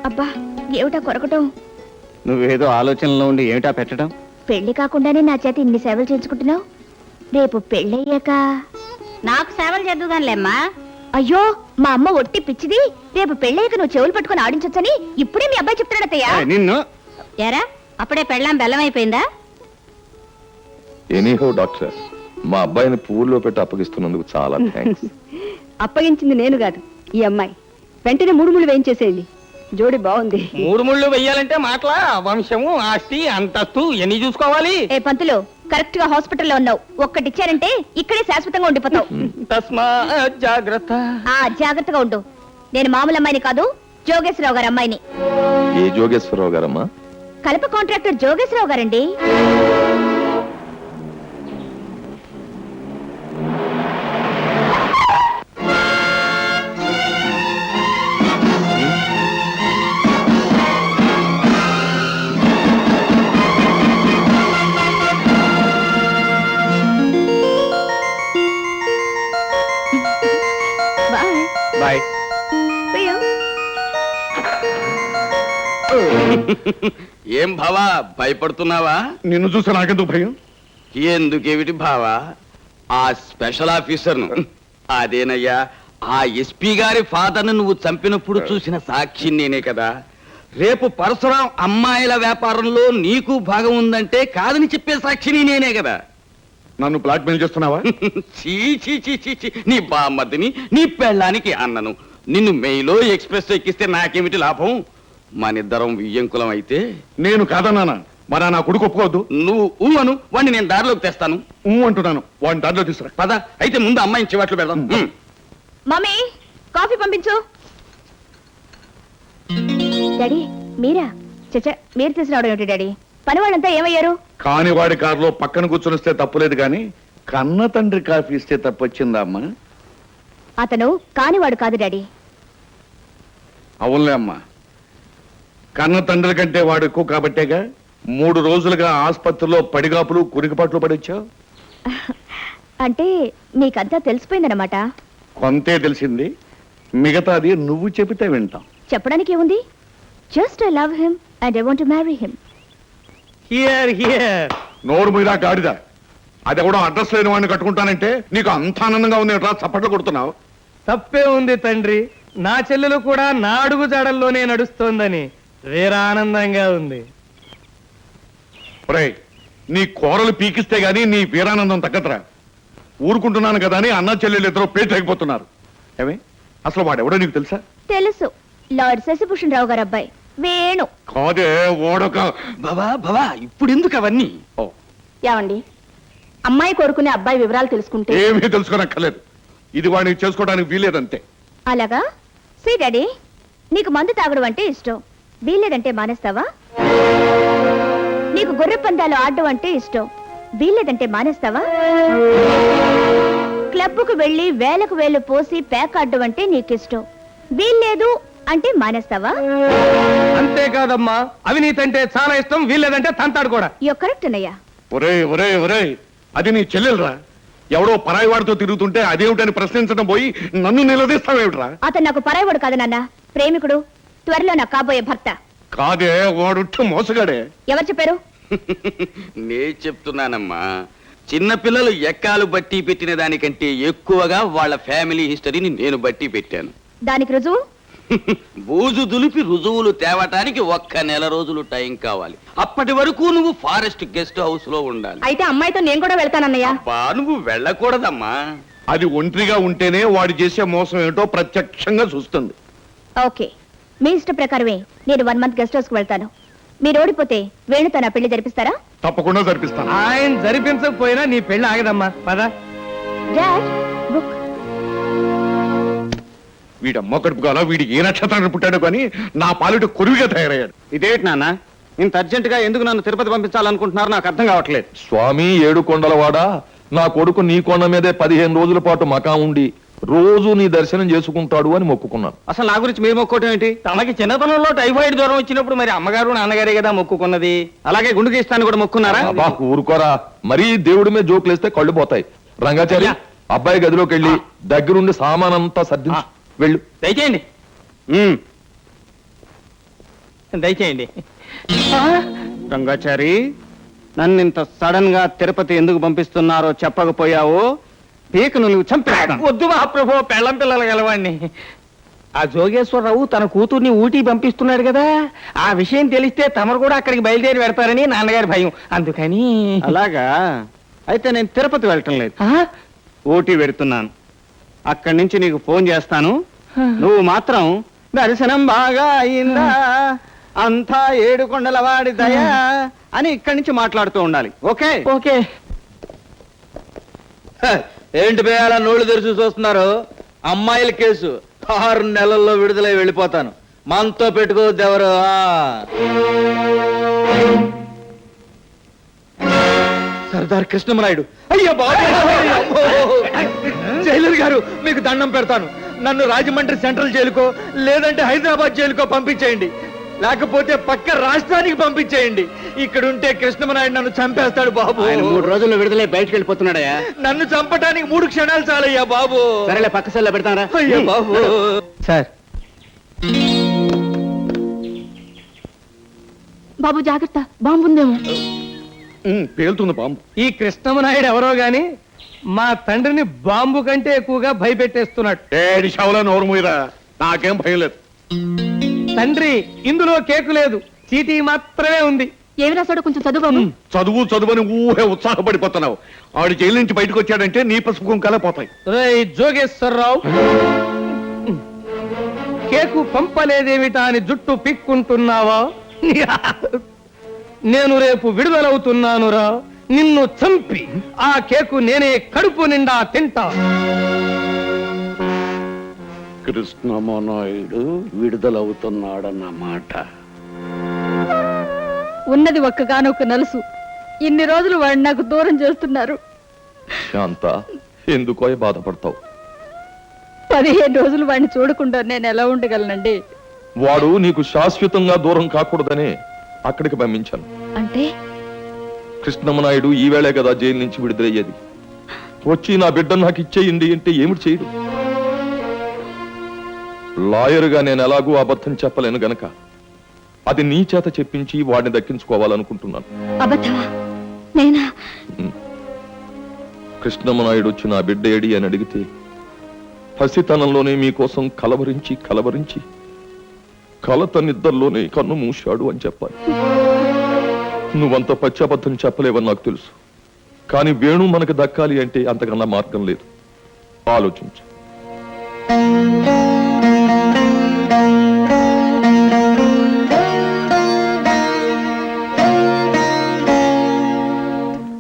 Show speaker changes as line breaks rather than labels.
అబ్బా ఏమిటా కొరకటం?
నువ్వేదో ఆలోచనలో ఉండి ఏమిటా పెట్టడం?
పెళ్లి కాకుండానే నా చేత ఇన్ని సేవలు చేయించుకుంటున్నావు. రేపు పెళ్ళయ్యాక
నాకు సేవలు చేద్దుగానిలేమ్మా.
అయ్యో మా అమ్మ ఒట్టి పిచ్చిది. రేపు పెళ్ళయ్యాక నువ్వు చెవులు పట్టుకుని ఆడించొచ్చని ఇప్పుడే మీ అబ్బాయి చెప్తున్నాడతయ్యా.
నిన్ను
ఏరా అప్పుడే పెళ్ళాం బెల్లం అయిపోయిందా?
ఎనీహో డాక్టర్, మా అబ్బాయిని పువ్వుల్లో పెట్టి అప్పగిస్తున్నందుకు చాలా థ్యాంక్స్.
అప్పగించింది నేను కాదు, ఈ అమ్మాయి. వెంటనే 3 ముళ్ళు వేయించేసేయండి. జోడి బాగుంది.
3 ముళ్ళు వెయ్యాలంటే మాటలా వంశము, ఆస్తి, అంతస్తు ఎన్ని చూసుకోవాలి?
ఏ పంతులు, కరెక్ట్ గా హాస్పిటల్లో ఉన్నావు. ఒక్కటిచ్చారంటే ఇక్కడే శాశ్వతంగా ఉండిపోతావు.
తస్మా జాగ్రత్త.
జాగ్రత్తగా ఉండు. నేను మామూలు అమ్మాయిని కాదు, జోగేశ్వరరావు గారి అమ్మాయిని.
ఏ జోగేశ్వరరావు గారమ్మా?
కలప కాంట్రాక్టర్ జోగేశ్వరరావు గారండి.
బాయ్.
ఏం భావా, భయపడుతున్నావా?
నిన్ను చూస్తే నాకెందుకు భయం?
ఎందుకేమిటి భావా, ఆ స్పెషల్ ఆఫీసర్ను, అదేనయ్యా ఆ ఎస్పీ గారి ఫాదర్ను నువ్వు చంపినప్పుడు చూసిన సాక్షి నేనే కదా. రేపు పరశురాం అమ్మాయిల వ్యాపారంలో నీకు భాగం ఉందంటే కాదని చెప్పే సాక్షిని నేనే కదా.
నన్ను బ్లాక్మెయిల్ చేస్తున్నావా?
చీ చీ చీ చీ చీ, నీ బామ్మద్దిని నీ పెళ్ళానికి అన్నను. నిన్ను మెయిలో ఎక్స్ప్రెస్ ఎక్కిస్తే నాకేమిటి లాభం? మనిద్దరం వియ్యంకులం అయితే.
నేను కాదన్నానా? మరి నా కొడుకు ఒప్పుకోవద్దు.
నువ్వు అను, వాడిని నేను దారిలోకి తెస్తాను.
అంటున్నాను, వాడిని దారిలో తీసుకురా.
పద అయితే ముందు అమ్మాయిని చివాట్లు పెడదాం.
మమ్మీ కాఫీ పంపించు. డాడీ మీరా? చచ్చా, మీరు తీసుకురావడం ఏమిటి డాడీ? పని వాళ్ళంతా ఏమయ్యారు?
కాని వాడి కారులో పక్కన కూర్చొనిస్తే తప్పులేదు గాని కన్న తండ్రి కాఫీ ఇస్తే తప్పొచ్చిందా అమ్మా?
అతను కానివాడు కాదు డాడీ.
అవునులే అమ్మా, కన్న తండ్రి కంటే వాడు ఎక్కువ కాబట్టేగా 3 రోజులుగా ఆసుపత్రిలో పడిగాపులు కురికిపాట్లు పడొచ్చావు.
అంటే మీకంతా తెలిసిపోయిందన్నమాట.
కొంతే తెలిసింది, మిగతాది నువ్వు చెబితే వింటాం.
చెప్పడానికి ఏముంది? Just I love him and I want to marry him.
Hear hear.
నోరు మీద గాడిదా, అది కూడా అడ్రస్ లేని వాడిని కట్టుకుంటానంటే నీకు అంత ఆనందంగా ఉంది ఎట్లా చప్పట్లు కొడుతున్నావు?
తప్పే ఉంది తండ్రి, నా చెల్లెలు కూడా నా అడుగు జాడల్లోనే నడుస్తోందని వేరే ఆనందంగా ఉంది.
ఒరేయ్, నీ కూరలు పీకిస్తే గానీ నీ వీరానందం తగ్గదురా. ఊరుకుంటున్నాను కదా అని అన్న చెల్లెలు ఇద్దరు పేట అయిపోతున్నారు. ఏమే, అసలు వాడెవడో నీకు తెలుసా?
తెలుసు, లార్డ్ శశిభూషణ్ రావు గారు అబ్బాయి వేణు.
కాదే, ఓడొక
బావా బావా, ఇప్పుడు ఎందుకు అవన్నీ?
ఏమండి, అమ్మాయి కోరుకునే అబ్బాయి వివరాలు తెలుసుకుంటే
ఏమీ తెలుసుకోనక్కర్లేదు. ఇది వాడిని చేసుకోవడానికి వీలేదంతే.
అలాగా? సీ డాడీ, నీకు మందు తాగడం అంటే ఇష్టం, వీల్లేదంటే మానేస్తావా? నీకు గొర్రె పందాలు ఆడడం అంటే ఇష్టం, వీల్లేదంటే మానేస్తావా? క్లబ్కు వెళ్లి వేలకు వేలు పోసి ప్యాక్ ఆడడం అంటే నీకిష్టం, వీల్లేదు అంటే మానేస్తావా?
అంతేకాదమ్మా, అవినీతి అంటే చాలా ఇష్టం, వీల్లేదంటే తంతాడు కూడా.
యు కరెక్ట్ అన్నయ్య.
ఒరే ఒరే ఒరే, అది నీ చెల్లెలరా. ఎవడో పరాయి వాడితో తిరుగుతుంటే అదేమిటని ప్రశ్నించడం పోయి నన్ను నిలదీస్తావేమిట్రా?
అతను నాకు పరాయవాడు కాదు నాన్న, ప్రేమికుడు, త్వరలో నాకు కాబోయే భర్త.
కాదే, వాడు మోసగాడే.
ఎవరు చెప్పారు?
నే చెప్తున్నానమ్మా, చిన్నపిల్లలు ఎక్కాలు బట్టి పెట్టిన దానికంటే ఎక్కువగా వాళ్ళ ఫ్యామిలీ హిస్టరీని నేను బట్టి పెట్టాను.
దానికి రుజువు?
బూజు దులిపి రుజువులు తేవటానికి 1 నెల రోజులు టైం కావాలి. అప్పటి వరకు నువ్వు ఫారెస్ట్ గెస్ట్ హౌస్ లో ఉండాలి.
అయితే అమ్మాయితో నేను కూడా వెళ్తానన్నయ్య.
అబ్బా, నువ్వు వెళ్ళకూడదమ్మా.
అది ఒంటరిగా ఉంటేనే వాడు చేసే మోసం ఏమిటో ప్రత్యక్షంగా చూస్తుంది.
ఓకే, మీ ఇష్ట ప్రకారమే నేను 1 మంత్ గెస్ట్ హౌస్ కు వెళ్తాను. మీరు ఓడిపోతే వేణుతో నా పెళ్లి జరిపిస్తారా?
తప్పకుండా జరిపిస్తాను.
ఆయన జరిపించకపోయినా నీ పెళ్లి ఆగదమ్మా, పద.
Dad, book.
వీడమ్మ కడుపు కాల, వీడికి ఏ నక్షత్రాన్ని పుట్టాడు కానీ నా పాలిట కొరువిగా తయారయ్యాడు.
ఇదేంటి నాన్న, ఇంత అర్జెంట్ గా ఎందుకు నన్ను తిరుపతి పంపించాలనుకుంటున్నారు? నాకు అర్థం కావట్లేదు.
స్వామి 7 కొండలవాడ, నా కొడుకు నీ కొండ మీదే 15 రోజుల పాటు మకా ఉండి రోజు నీ దర్శనం చేసుకుంటాడు అని మొక్కుకున్నాను.
అసలు నా గురించి మీరు మొక్కోవటం ఏంటి? తనకి చిన్నతనంలో టైఫాయిడ్ జ్వరం వచ్చినప్పుడు మరి అమ్మగారు నాన్నగారే కదా మొక్కుకున్నది. అలాగే గుండు గీస్తాను కూడా మొక్కున్నారా?
ఊరుకోరా, మరీ దేవుడి మీద జోకులేస్తే కళ్ళు పోతాయి. రంగాచారి, అబ్బాయి గదిలోకి వెళ్ళి దగ్గరుండి సామానంతా సర్దించు. వెళ్ళు.
దయచేయండి. దయచేయండి రంగాచారి నన్ను ఇంత సడన్ గా తిరుపతి ఎందుకు పంపిస్తున్నారో చెప్పకపోయావు పీకను నువ్వు చంపేస్తా. వద్దు మహాప్రభు, పెళ్ళం పిల్లలు గలవాణ్ణి. ఆ జోగేశ్వరరావు తన కూతుర్ని ఊటీ పంపిస్తున్నాడు కదా, ఆ విషయం తెలిస్తే తమరు కూడా అక్కడికి బయలుదేరి పెడతారని నాన్నగారి భయం, అందుకని. అలాగా అయితే నేను తిరుపతి వెళ్ళటం లేదు, ఊటీ వెడుతున్నాను. అక్కడి నుంచి నీకు ఫోన్ చేస్తాను, నువ్వు మాత్రం దర్శనం బాగా అయిందా, అంతా ఏడుకొండల వాడి దయా అని ఇక్కడి నుంచి మాట్లాడుతూ ఉండాలి. Okay okay.
ఏంటి పేయాల నోళ్లు తెరిచి చూస్తున్నారు? అమ్మాయిల కేసు 6 నెలల్లో విడుదలై వెళ్ళిపోతాను. మనతో పెట్టుకోవద్దు ఎవరు. సర్దార్ కృష్ణమనాయుడు. అయ్యా బాబు, జైలర్ గారు మీకు దండం పెడతాను. నన్ను రాజమండ్రి సెంట్రల్ జైలుకో లేదంటే హైదరాబాద్ జైలుకో పంపించేయండి, లేకపోతే పక్క రాష్ట్రానికి పంపించేయండి. ఇక్కడుంటే కృష్ణమనాయుడు నన్ను చంపేస్తాడు బాబు.
3 రోజుల్లో విడుదలై బయటకు వెళ్ళిపోతున్నాడయ్యా.
నన్ను చంపటానికి 3 క్షణాలు చాలయ్యా బాబు.
సరేలే, పక్క సెల్లో పెడతారా?
అయ్యా బాబు.
సార్
బాబు జాగ్రత్త, బాంబు ఉందేమో.
పేలుతుంది బాంబు.
ఈ కృష్ణమనాయుడు ఎవరో గాని మా తండ్రిని బాంబు కంటే ఎక్కువగా భయపెట్టేస్తున్నాడు.
ఏడి షవలా నోరు మూయరా, నాకేం భయం లేదు.
తండ్రి, ఇందులో కేకు లేదు, చీటీ మాత్రమే ఉంది.
ఏమి రాసాడో కొంచెం చదువు బాబు.
చదువుని ఊహే ఉత్సాహపడిపోతున్నావు. ఆవిడ జైలు నుంచి బయటకు వచ్చాడంటే నీ పసుపు కుంకాలే పోతాయి.
రేయ్ జోగేశ్వరరావు, కేకు పంపలేదేమిటా అని జుట్టు పిక్కుంటున్నావా? నేను రేపు విడుదలవుతున్నానురా, నిన్ను చంపి ఆ కేకు నేనే కడుపు నిండా తింటా.
కృష్ణమనాయుడు విడుదలవుతున్నాడన్నమాట.
ఉన్నది ఒక్కగానొక్క నలుసు, ఇన్ని రోజులు వాడిని నాకు దూరం చేస్తున్నారు.
శాంత, ఎందుకో బాధపడతావు?
15 రోజులు వాడిని చూడకుండా నేను ఎలా ఉండగలనండి?
వాడు నీకు శాశ్వతంగా దూరం కాకూడదనే అక్కడికి పంపించాను.
అంటే
కృష్ణమనాయుడు ఈవేళే కదా జైలు నుంచి విడుదలయ్యేది. వచ్చి నా బిడ్డ నాకు ఇచ్చేయండి అంటే ఏమిటి చేయడు? లాయరుగా నేను ఎలాగూ అబద్ధం చెప్పలేను గనక అది నీ చేత చెప్పించి వాడిని దక్కించుకోవాలనుకుంటున్నాను.
అబద్ధమా? నేనా?
కృష్ణమనాయుడు వచ్చి నా బిడ్డ ఏడి అని అడిగితే పసితనంలోనే మీకోసం కలవరించి కలత నిద్రలోనే కన్ను మూశాడు అని చెప్పాలి. నువ్వంత పశ్చాబద్ధం చెప్పలేవని నాకు తెలుసు, కానీ వేణు మనకు దక్కాలి అంటే అంతకన్నా మార్గం లేదు. ఆలోచించు.